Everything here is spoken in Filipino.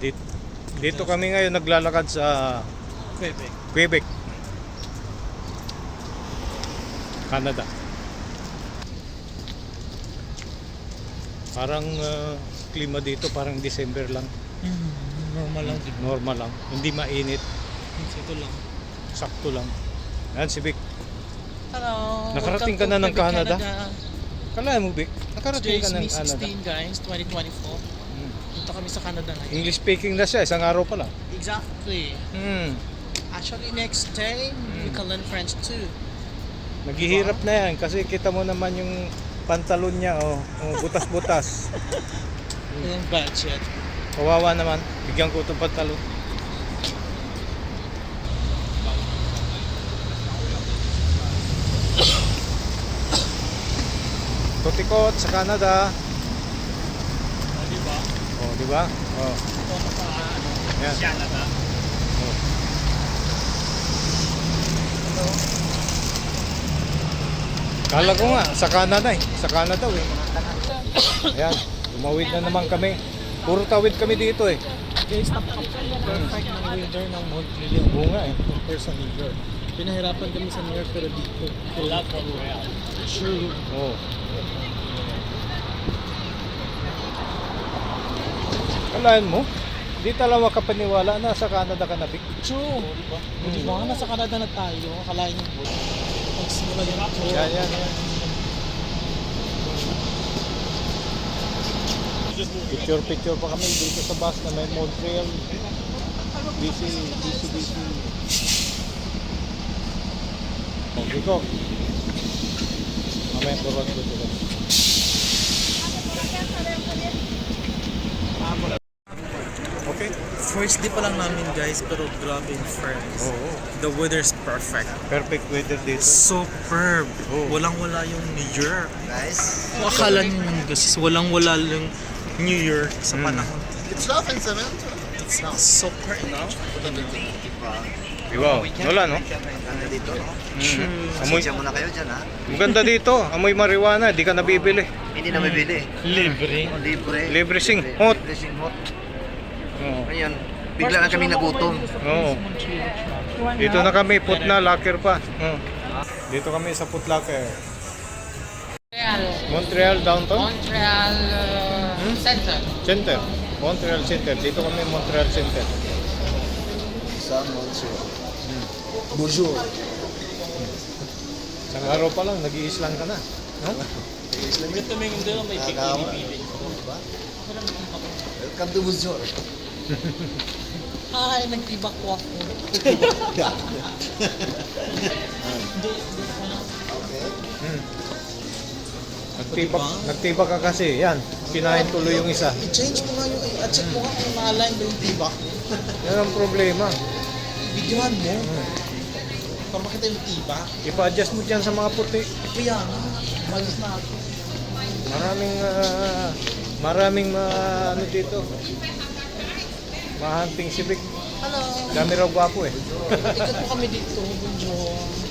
Dito, dito kami ngayon naglalakad sa Quebec. Quebec, Canada. Parang klima dito parang December lang. Normal lang din. Normal lang. Hindi mainit. Ito lang. Sakto lang. Yan si Vic. Hello. Nakarating ka na ng Canada? Kala mo Vic, nakarating ka ng Today's Canada. May 16 guys, 2024. Punta kami sa Canada ngayon. English speaking na siya, isang araw pa lang. Exactly. Actually next day, we can learn French too. Naghihirap na yan kasi kita mo naman yung pantalon niya, butas-butas. Yung budget. Kawawa naman, bigyan ko itong pantalon. Tutikot sa Canada. Di ba? Oh, di ba? Oh. Ito na sa Yan. Canada. Oh. Hello. Kala ko nga sa Canada eh. Sa Canada eh. Ayan, tumawid na naman kami. Puro tawid kami dito eh. Guys, perfect ng weather ng Montreal. Oo nga eh. Compare sa New York. Pinahirapan kami sa New York pero dito. Love Montreal. True. Oh. Kalahin mo? Di talaga makapaniwala na sa Canada ka na Vic. True. Diba? Diba nga nasa Canada na tayo. Akalain yung boat. Magsimula yung tour. Yan. Picture pa kami dito sa bus na may Montreal. Busy. Oh, Vico. Mamaya turun ko dito. Okay. First day pa lang namin guys, pero grabe yung friends. Oo. The weather's perfect. Perfect weather dito. Superb. Oh. Walang-wala yung New York. Guys, Akala nyo yung guys, walang-wala yung New York sa panahon. it's not in cement. It's not super enough. Diba? Wala no? Ganda dito, no? Amoy. Pasensya muna kayo dyan, ha? Maganda dito. Amoy marijuana, di ka nabibili. Hindi na mabili. Libre. Oh, libre. Libre sing hot. Libre sing hot. Oo. Ngayon, bigla na kaming nagutom. Oo. Dito na kami, put na, locker pa. Dito kami sa put locker. Montreal downtown? Montreal Center. Center. Montreal Center. Dito kami Montreal Center. Sa Montreal. Bonjour. Isang araw pa lang, nag-i-islang ka na. No? Ito may hindi lang may pili-pili. Welcome to Bonjour. Ay, nagtibak ko ako. Okay. Nagtibak ka kasi. Yan, kinain tuloy yung isa. I-change mo nga yung, check mo nga kung na-align ba yung tibak. Yan ang problema. Videohan mo. Para makita yung tibak. Ipa-adjust mo dyan sa mga puti. Kaya nga, malis na ako. Maraming ano dito. Mahanting si Vic. Hello. Dami raw gwapo eh. Ikot po kami dito. Bonjour.